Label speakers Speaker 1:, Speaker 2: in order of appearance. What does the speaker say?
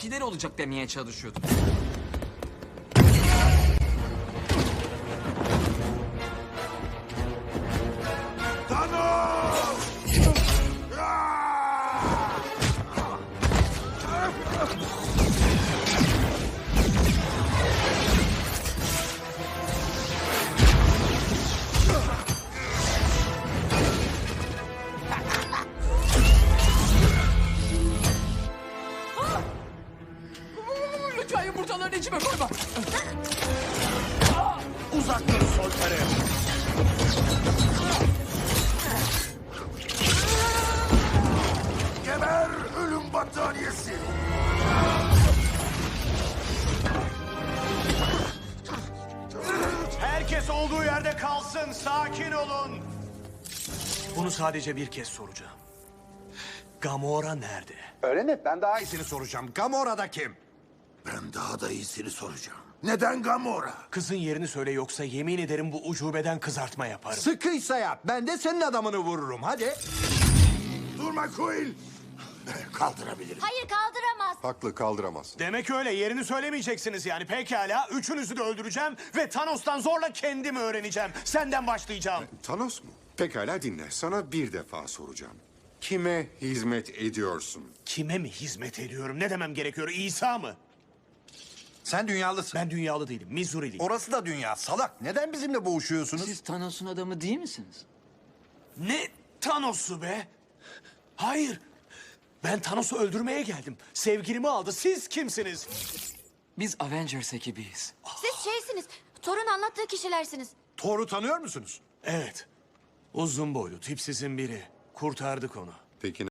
Speaker 1: şeyler olacak demeye çalışıyordum. Lütfen yumurtalarını içime koyma.
Speaker 2: Uzak dur Solter'e. Geber ölüm battaniyesi. Herkes olduğu yerde kalsın. Sakin olun. Bunu sadece bir kez soracağım. Gamora nerede?
Speaker 3: Öğrenip ben daha iyisini soracağım. Gamora'da kim?
Speaker 2: Ben daha da iyisini soracağım. Neden Gamora?
Speaker 4: Kızın yerini söyle yoksa yemin ederim bu ucubeden kızartma yaparım.
Speaker 3: Sıkıysa yap. Ben de senin adamını vururum. Hadi.
Speaker 2: Durma Quill. Kaldırabilirim.
Speaker 5: Hayır kaldıramaz.
Speaker 6: Haklı, kaldıramaz.
Speaker 4: Demek öyle, yerini söylemeyeceksiniz yani. Pekala, üçünüzü de öldüreceğim ve Thanos'tan zorla kendimi öğreneceğim. Senden başlayacağım.
Speaker 6: Thanos mu? Pekala dinle. Sana bir defa soracağım. Kime hizmet ediyorsun?
Speaker 4: Kime mi hizmet ediyorum? Ne demem gerekiyor? İsa mı?
Speaker 3: Sen dünyalısın.
Speaker 4: Ben dünyalı değilim, Missouri'liyim.
Speaker 3: Orası da dünya. Salak. Neden bizimle boğuşuyorsunuz?
Speaker 1: Siz Thanos'un adamı değil misiniz?
Speaker 4: Ne Thanos'u be? Hayır. Ben Thanos'u öldürmeye geldim. Sevgilimi aldı. Siz kimsiniz?
Speaker 1: Biz Avengers ekibiyiz.
Speaker 5: Siz şeysiniz. Thor'un anlattığı kişilersiniz.
Speaker 3: Thor'u tanıyor musunuz?
Speaker 4: Evet. Uzun boylu, tipsizin biri. Kurtardık onu.
Speaker 6: Peki